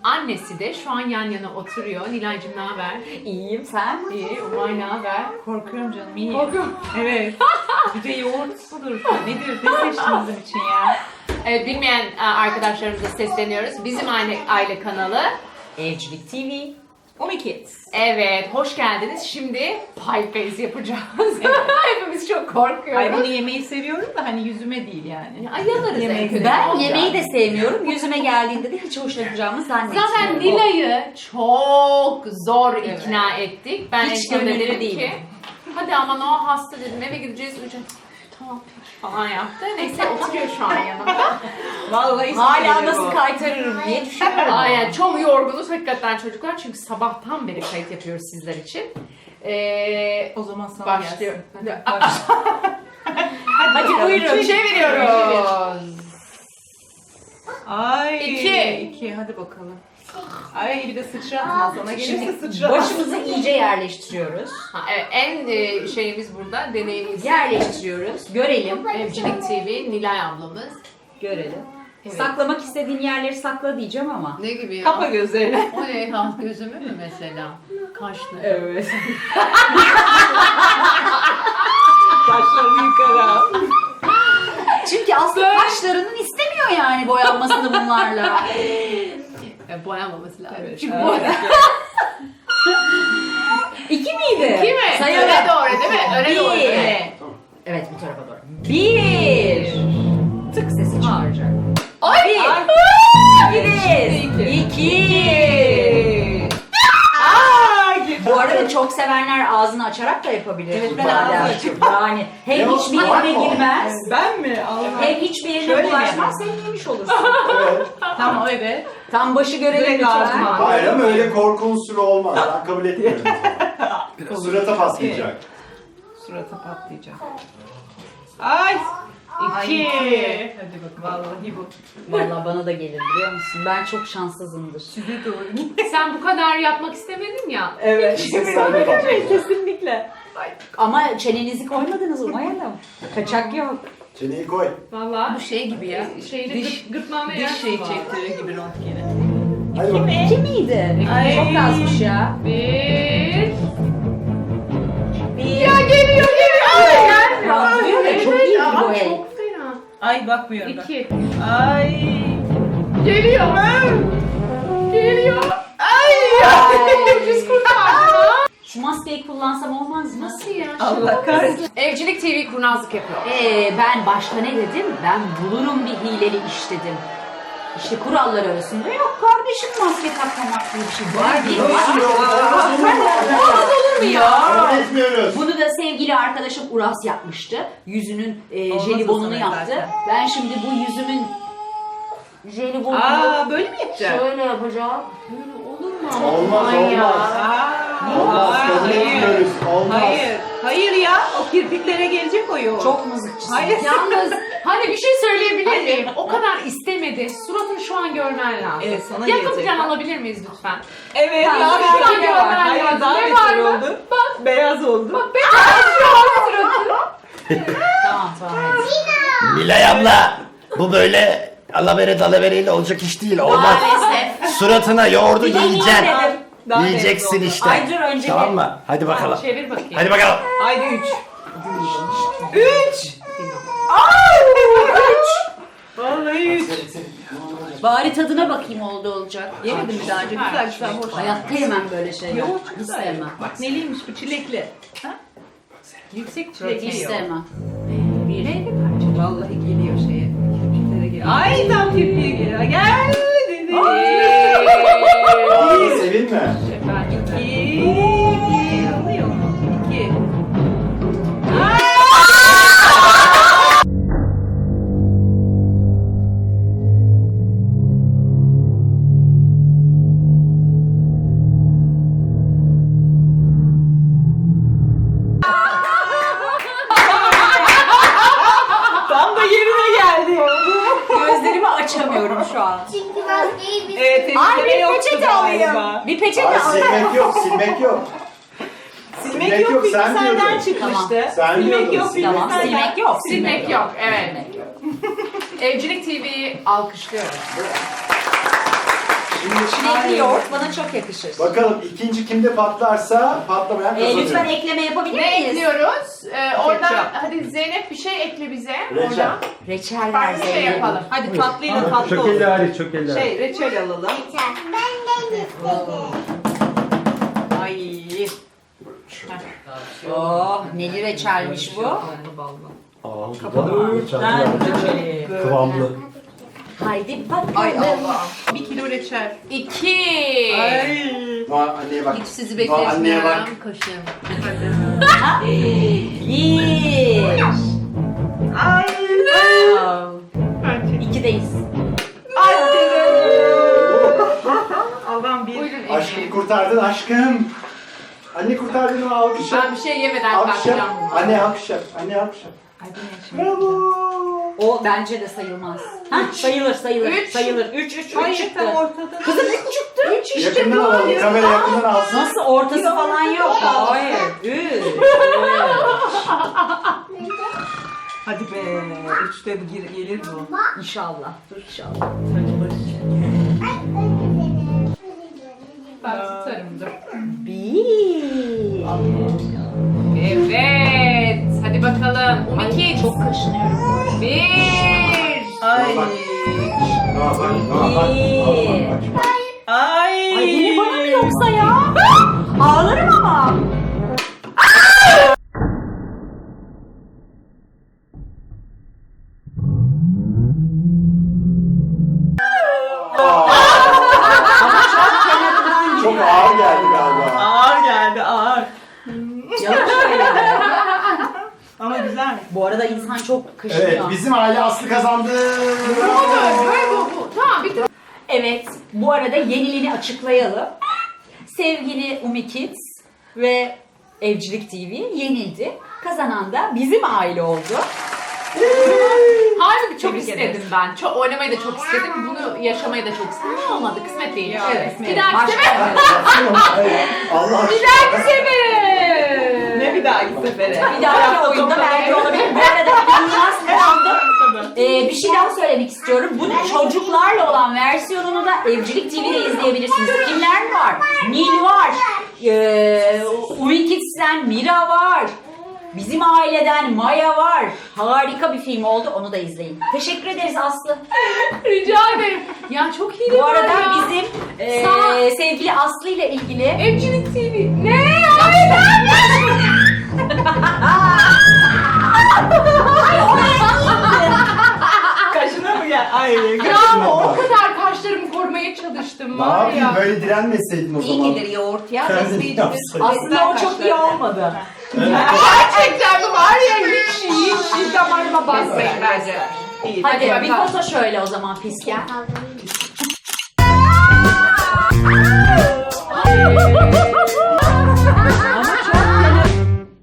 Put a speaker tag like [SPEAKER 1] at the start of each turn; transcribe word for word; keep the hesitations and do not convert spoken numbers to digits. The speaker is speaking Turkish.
[SPEAKER 1] annesi de şu an yan yana oturuyor. Nilay'cığım ne haber?
[SPEAKER 2] İyiyim, sen?
[SPEAKER 1] İyi. Umay ne haber?
[SPEAKER 3] Korkuyorum canım, iyi.
[SPEAKER 1] Korkuyorum.
[SPEAKER 3] Evet. Bir de yoğurt budur. Nedir? Ne seçtin bizim için ya?
[SPEAKER 1] Evet, bilmeyen e, arkadaşlarımıza sesleniyoruz. Bizim aile, aile kanalı.
[SPEAKER 2] Evcilik T V.
[SPEAKER 3] Umi Kids.
[SPEAKER 1] Evet, hoş geldiniz. Şimdi pie face yapacağız. Hepimiz çok korkuyoruz.
[SPEAKER 3] Ay bunu yemeyi seviyorum da hani yüzüme değil yani.
[SPEAKER 1] Ay yalarız
[SPEAKER 3] Yemeği
[SPEAKER 1] en kötü.
[SPEAKER 2] Ben
[SPEAKER 1] Olacak.
[SPEAKER 2] yemeği de sevmiyorum. Yüzüme geldiğinde de hiç hoşlanacağımı zannetmiyorum.
[SPEAKER 1] Zaten Nilay'ı çok zor ikna ettik. Ben
[SPEAKER 2] Hiç
[SPEAKER 1] en sonunda
[SPEAKER 2] gönüllü
[SPEAKER 1] dedim
[SPEAKER 2] değilim.
[SPEAKER 1] ki hadi aman o hasta dedim, eve gideceğiz. Uyuyacağız. Tamam peki falan yaptı. Neyse oturuyor şu an yanımda.
[SPEAKER 3] Vallahi
[SPEAKER 2] Hala nasıl kaytarırım diye düşünüyorum.
[SPEAKER 1] Aynen, çok yorgunuz hakikaten çocuklar çünkü sabahtan beri kayıt yapıyoruz sizler için. Ee,
[SPEAKER 3] O zaman sana
[SPEAKER 1] başlıyor.
[SPEAKER 3] gelsin. Hadi,
[SPEAKER 2] Hadi
[SPEAKER 3] bakalım.
[SPEAKER 2] buyurun.
[SPEAKER 1] Çeviriyoruz.
[SPEAKER 3] Ay.
[SPEAKER 1] İki.
[SPEAKER 3] İki. Hadi bakalım. Ay bir de sıçratma. Sana gelirse
[SPEAKER 2] Şimdi
[SPEAKER 3] sıçratma.
[SPEAKER 2] başımızı iyice yerleştiriyoruz.
[SPEAKER 1] Ha, evet, en e, şeyimiz burada deneyimiz.
[SPEAKER 2] Yerleştiriyoruz. Görelim.
[SPEAKER 1] Evcilik T V Nilay ablamız.
[SPEAKER 2] Görelim.
[SPEAKER 1] Evet.
[SPEAKER 2] Saklamak istediğin yerleri sakla diyeceğim ama.
[SPEAKER 1] Ne gibi ya?
[SPEAKER 3] Kapa gözlerini.
[SPEAKER 1] O ne? Ha, gözümü mü mesela? Kaşlı.
[SPEAKER 2] Evet.
[SPEAKER 3] Kaşlarını yukarı al.
[SPEAKER 2] Çünkü aslında kaşlarının istemiyor yani boyanmasını bunlarla.
[SPEAKER 1] E, boyanmaması lazım.
[SPEAKER 3] Evet.
[SPEAKER 1] Çünkü
[SPEAKER 3] Evet.
[SPEAKER 1] bu
[SPEAKER 2] İki miydi?
[SPEAKER 1] İki mi?
[SPEAKER 2] Sayalım.
[SPEAKER 1] Öne doğru değil mi? Öne doğru.
[SPEAKER 2] Bir.
[SPEAKER 1] Öne.
[SPEAKER 2] Evet bu tarafa doğru. Bir. Tık sesi çıkaracak.
[SPEAKER 1] Ay!
[SPEAKER 2] Bir.
[SPEAKER 3] Ay.
[SPEAKER 2] İki. İki.
[SPEAKER 3] Aa, girdi.
[SPEAKER 2] Bu arada çok sevenler ağzını açarak da yapabilir.
[SPEAKER 3] Evet, ben
[SPEAKER 2] Badem.
[SPEAKER 3] ağzını açıp-
[SPEAKER 2] Yani hem
[SPEAKER 4] Yok,
[SPEAKER 2] hiçbir
[SPEAKER 4] var
[SPEAKER 2] yerine
[SPEAKER 4] mı?
[SPEAKER 2] girmez,
[SPEAKER 3] Ben mi? Allah.
[SPEAKER 2] hem hiçbir yerine
[SPEAKER 3] Şöyle
[SPEAKER 2] bulaşmaz, hem yemiş olursun.
[SPEAKER 4] Evet.
[SPEAKER 3] Tamam evet.
[SPEAKER 2] Tam başı görelim
[SPEAKER 3] Direkt
[SPEAKER 2] lütfen.
[SPEAKER 3] ağzıma.
[SPEAKER 4] Hayır ama öyle korku unsuru olmaz. Ben kabul etmiyorum. Surata patlayacak.
[SPEAKER 3] Surata patlayacak. Ay. İki.
[SPEAKER 1] iki.
[SPEAKER 3] Hadi bak vallahi bu.
[SPEAKER 2] Vallahi bana da gelir biliyor musun? Ben çok şanssızımdır.
[SPEAKER 3] Size doğru gitti.
[SPEAKER 1] Sen bu kadar yapmak istemedin ya.
[SPEAKER 3] Evet.
[SPEAKER 4] Sen de bak.
[SPEAKER 3] Kesinlikle.
[SPEAKER 2] Ama çenenizi koymadınız Umay Hanım. Kaçak yok.
[SPEAKER 4] Çeneyi koy.
[SPEAKER 1] Vallahi bu şey gibi ya. Şeyini
[SPEAKER 3] Diş-
[SPEAKER 1] gırt, gırtlağına
[SPEAKER 3] Diş
[SPEAKER 1] yersin
[SPEAKER 3] şeyi
[SPEAKER 1] var.
[SPEAKER 3] çektirir gibi röntgeni.
[SPEAKER 4] Hadi bakalım.
[SPEAKER 2] İki miydi?
[SPEAKER 3] Ay.
[SPEAKER 2] Çok azmış ya.
[SPEAKER 1] Bir.
[SPEAKER 2] Bir.
[SPEAKER 1] Ya geliyor geliyor. Ay, gelmiyor.
[SPEAKER 2] Rahatlıyor ya, çok iyi
[SPEAKER 1] ama
[SPEAKER 2] bu el.
[SPEAKER 1] çok fena.
[SPEAKER 3] Ay bakmıyorum bak.
[SPEAKER 1] İki.
[SPEAKER 3] Ay.
[SPEAKER 1] Geliyor. Geliyor.
[SPEAKER 3] Ay.
[SPEAKER 2] Ay.
[SPEAKER 1] Ucuz kurtardı.
[SPEAKER 2] Şu maskeyi kullansam olmaz mı?
[SPEAKER 1] Nasıl ya?
[SPEAKER 3] Allah kahretsin.
[SPEAKER 1] Evcilik T V kurnazlık yapıyor.
[SPEAKER 2] Ee, ben başta ne dedim? Ben bulurum bir hileli iş dedim. İşte kurallar arasında yok kardeşim maske takmamak diye bir şey var değil mi?
[SPEAKER 4] Nasıl yok?
[SPEAKER 2] Olur mu ya?
[SPEAKER 4] Kabul etmiyoruz.
[SPEAKER 2] Bunu da sevgili arkadaşım Uras yapmıştı. Yüzünün e,
[SPEAKER 3] Olmaz
[SPEAKER 2] jelibonunu
[SPEAKER 3] o zaman
[SPEAKER 2] yaptı.
[SPEAKER 3] zaten.
[SPEAKER 2] Ben şimdi bu yüzümün jelibonunu
[SPEAKER 3] Aa böyle mi yapacak?
[SPEAKER 2] şöyle yapacağım.
[SPEAKER 1] Böyle olur mu ama?
[SPEAKER 4] Olmaz,
[SPEAKER 1] Aman ya.
[SPEAKER 4] olmaz.
[SPEAKER 3] Aa,
[SPEAKER 4] Olmaz. Kabul
[SPEAKER 3] hayır.
[SPEAKER 4] etmiyoruz. Olmaz.
[SPEAKER 3] Hayır. Hayır ya. O kirpiklere gelecek o yoğurt.
[SPEAKER 2] Çok mızıkçısın.
[SPEAKER 3] Hayır.
[SPEAKER 1] Yalnız hani bir şey söyleyebilir
[SPEAKER 3] Hayır.
[SPEAKER 1] miyim? O kadar istemedi. Suratını şu an görmen lazım.
[SPEAKER 3] Evet, sana
[SPEAKER 1] Yakın
[SPEAKER 3] gelecek.
[SPEAKER 1] plan alabilir miyiz lütfen?
[SPEAKER 3] Evet.
[SPEAKER 2] Tamam,
[SPEAKER 3] Daha
[SPEAKER 2] belki
[SPEAKER 3] beter
[SPEAKER 2] de
[SPEAKER 3] var.
[SPEAKER 2] var.
[SPEAKER 3] Hayır
[SPEAKER 1] Ne
[SPEAKER 3] daha
[SPEAKER 1] var
[SPEAKER 3] beter
[SPEAKER 1] mı?
[SPEAKER 3] oldu. Bak. Beyaz oldu.
[SPEAKER 1] Bak beyaz şu an suratı.
[SPEAKER 2] Tamam tamam.
[SPEAKER 5] Nilay abla bu böyle alavere dalavereyle olacak iş değil olmaz.
[SPEAKER 2] Maalesef.
[SPEAKER 5] Suratına yoğurdu
[SPEAKER 2] Bir deneyeyim
[SPEAKER 5] yiyeceksin.
[SPEAKER 2] dedim.
[SPEAKER 3] Daha beyaz
[SPEAKER 5] Yiyeceksin
[SPEAKER 3] oldu.
[SPEAKER 5] işte.
[SPEAKER 2] Ay dur önce
[SPEAKER 5] Tamam
[SPEAKER 2] bir-
[SPEAKER 5] mı? Hadi bakalım.
[SPEAKER 1] Çevir bakayım.
[SPEAKER 5] Hadi bakalım.
[SPEAKER 3] Haydi üç. Üç. Vallahi üç.
[SPEAKER 2] Bari tadına bakayım oldu olacak.
[SPEAKER 3] Yemedim mi daha önce? Güzel güzel hoş.
[SPEAKER 2] Hayatta yemem böyle şeyler.
[SPEAKER 3] Yoğurt
[SPEAKER 2] Hiç
[SPEAKER 3] güzel.
[SPEAKER 2] sevmem.
[SPEAKER 3] Bak neliymiş bu çilekli. Ha?
[SPEAKER 1] Yüksek
[SPEAKER 2] Hiç
[SPEAKER 1] protein.
[SPEAKER 2] sevmem.
[SPEAKER 1] Bir. Neydi parça?
[SPEAKER 3] Vallahi geliyor şeye. Kirpiklere geliyor. Ay tam kirpiğe geliyor. Gel dedi.
[SPEAKER 4] Aa, sevinme.
[SPEAKER 1] Efendim.
[SPEAKER 3] İki. İki. Alıyor mu? İki. Tam da yerine geldi.
[SPEAKER 2] Gözlerimi açamıyorum şu an.
[SPEAKER 6] Çünkü maskeyi biz
[SPEAKER 3] Evet,
[SPEAKER 2] Ay
[SPEAKER 3] temizleme
[SPEAKER 2] bir
[SPEAKER 3] yoktu
[SPEAKER 2] peçete
[SPEAKER 3] galiba.
[SPEAKER 2] alayım. Bir peçete
[SPEAKER 4] Ay,
[SPEAKER 2] alayım.
[SPEAKER 4] silmek yok, silmek yok.
[SPEAKER 3] Silmek
[SPEAKER 4] Silmek
[SPEAKER 3] yok,
[SPEAKER 4] yok,
[SPEAKER 3] bilgi
[SPEAKER 4] sen
[SPEAKER 3] senden
[SPEAKER 4] diyordun.
[SPEAKER 3] çıkmıştı.
[SPEAKER 4] Sen
[SPEAKER 3] silmek
[SPEAKER 4] diyordun,
[SPEAKER 3] yok, bilgi
[SPEAKER 2] Tamam
[SPEAKER 3] senden.
[SPEAKER 2] silmek yok.
[SPEAKER 1] Silmek yok. Evet. Evcilik T V'yi alkışlıyoruz.
[SPEAKER 4] Şimdi
[SPEAKER 2] Çilekli yoğurt bana çok yakışır.
[SPEAKER 4] Bakalım ikinci kimde patlarsa patlamayan
[SPEAKER 2] Ee,
[SPEAKER 4] kazanıyor.
[SPEAKER 2] lütfen ekleme yapabilir
[SPEAKER 1] Ne
[SPEAKER 2] miyiz?
[SPEAKER 1] ekliyoruz? Ee, oradan
[SPEAKER 3] Ketçap.
[SPEAKER 1] hadi Zeynep bir şey ekle bize.
[SPEAKER 4] Reçel.
[SPEAKER 1] Oradan.
[SPEAKER 2] Reçel ver
[SPEAKER 1] Farklı şey
[SPEAKER 2] Zeynep.
[SPEAKER 1] yapalım.
[SPEAKER 3] Hadi tatlıyla tatlı
[SPEAKER 6] Çok
[SPEAKER 3] olsun.
[SPEAKER 6] elli hariç, çok elli hariç.
[SPEAKER 3] Şey reçel alalım. Ay.
[SPEAKER 2] Oh, neli reçelmiş bu.
[SPEAKER 3] Ballı ballı.
[SPEAKER 6] Aa, bu da
[SPEAKER 3] Reçeli.
[SPEAKER 6] kıvamlı.
[SPEAKER 2] Haydi bakalım.
[SPEAKER 3] Ay Allah. Bir kilo reçel.
[SPEAKER 1] İki.
[SPEAKER 3] Ay.
[SPEAKER 4] Noah anneye bak.
[SPEAKER 1] Hiç sizi
[SPEAKER 4] Noah anneye bak.
[SPEAKER 1] bekletmiyorum. Kaşığım.
[SPEAKER 2] Bir.
[SPEAKER 3] Ay.
[SPEAKER 2] İkideyiz.
[SPEAKER 3] Allah'ım bir.
[SPEAKER 1] Buyurun
[SPEAKER 4] Aşkım
[SPEAKER 1] Ece.
[SPEAKER 4] kurtardın aşkım. Anne kurtardın o alkış yap.
[SPEAKER 1] Ben bir şey yemeden
[SPEAKER 4] Alkış yap.
[SPEAKER 1] kalkacağım.
[SPEAKER 4] Anne alkış yap. Anne alkış yap.
[SPEAKER 3] Ay bu ne şimdi?
[SPEAKER 4] Bravo.
[SPEAKER 2] O bence de sayılmaz. Ha, sayılır sayılır.
[SPEAKER 1] Üç.
[SPEAKER 2] Sayılır. Üç üç üç
[SPEAKER 3] Hayır
[SPEAKER 2] çıktı.
[SPEAKER 3] tam ortada.
[SPEAKER 2] Kızım üç çıktı. Üç işte
[SPEAKER 4] Yakından
[SPEAKER 2] bu.
[SPEAKER 4] alalım. Kamera yakından alsın.
[SPEAKER 2] Nasıl ortası falan yok. Hayır. Üç.
[SPEAKER 3] Hadi be. Üçte bu gir- gelir bu.
[SPEAKER 2] İnşallah. Dur inşallah.
[SPEAKER 1] Ben tutarım dur.
[SPEAKER 2] Bir.
[SPEAKER 1] Evet. Hadi bakalım.
[SPEAKER 2] Ay,
[SPEAKER 1] Umiki.
[SPEAKER 2] çok kaşınıyorum.
[SPEAKER 1] Bir.
[SPEAKER 3] Ay.
[SPEAKER 4] Noah bak. Noah bak.
[SPEAKER 2] Bir.
[SPEAKER 4] Bak, bak.
[SPEAKER 3] Ay.
[SPEAKER 2] Ay yine bana mı yoksa ya? Ağlarım ama.
[SPEAKER 4] Çok ağır geldi galiba.
[SPEAKER 3] Ağır geldi ağır.
[SPEAKER 2] Yavaş söyle.
[SPEAKER 3] Ama güzelmiş.
[SPEAKER 2] Bu arada insan çok kaşınıyor.
[SPEAKER 4] Evet bizim aile Aslı kazandı.
[SPEAKER 1] Böyle bu bu. Tamam bitti.
[SPEAKER 2] Evet, bu arada yeniliğini açıklayalım. Sevgili Umi Kids ve Evcilik T V yenildi. Kazanan da bizim aile oldu.
[SPEAKER 1] Halbuki çok
[SPEAKER 3] Tebrik
[SPEAKER 1] istedim
[SPEAKER 3] ederiz.
[SPEAKER 1] ben. Çok oynamayı da çok istedim. Bunu yaşamayı da çok istedim. Ama olmadı. Kısmet değil.
[SPEAKER 3] Ya,
[SPEAKER 1] Evet.
[SPEAKER 3] kısmet.
[SPEAKER 1] Bir dahaki
[SPEAKER 2] Başka
[SPEAKER 1] sefer.
[SPEAKER 4] Allah
[SPEAKER 1] Bir
[SPEAKER 4] aşkına.
[SPEAKER 1] dahaki sefer.
[SPEAKER 3] Ne bir dahaki sefere?
[SPEAKER 2] Bir dahaki oyunda belki olabilir. Bu arada inanılmaz kazandım. Ee, bir şey daha söylemek istiyorum. Bunun çocuklarla olan versiyonunu da Evcilik T V'de izleyebilirsiniz. Kimler var? Nil var. Ee, Umi Kids'ten Mira var. Bizim aileden Maya var. Harika bir film oldu. Onu da izleyin. Teşekkür ederiz Aslı.
[SPEAKER 1] Rica ederim. Ya çok iyi
[SPEAKER 2] Bu arada
[SPEAKER 1] ya.
[SPEAKER 2] bizim e,
[SPEAKER 1] Sağ-
[SPEAKER 2] sevgili Aslı ile ilgili
[SPEAKER 1] Evcilik T V. Ne? Hayır
[SPEAKER 3] Kaşına mı gel? Ay.
[SPEAKER 1] Bravo. O kadar kaşlarımı korumaya çalıştım.
[SPEAKER 4] Ne
[SPEAKER 1] Var
[SPEAKER 4] yapayım
[SPEAKER 1] ya.
[SPEAKER 4] böyle direnmeseydin o
[SPEAKER 3] İyi
[SPEAKER 4] zaman.
[SPEAKER 3] gelir yoğurt ya.
[SPEAKER 4] Kendin
[SPEAKER 3] Besleyici
[SPEAKER 4] yapsaydın.
[SPEAKER 2] aslında o çok iyi olmadı.
[SPEAKER 1] Gerçekten mi var ya hiç hiç hiç damarıma basmayın bence.
[SPEAKER 3] İyi.
[SPEAKER 2] Hadi,
[SPEAKER 1] Hadi
[SPEAKER 2] bir
[SPEAKER 1] bakalım.
[SPEAKER 2] foto şöyle o zaman Pisken.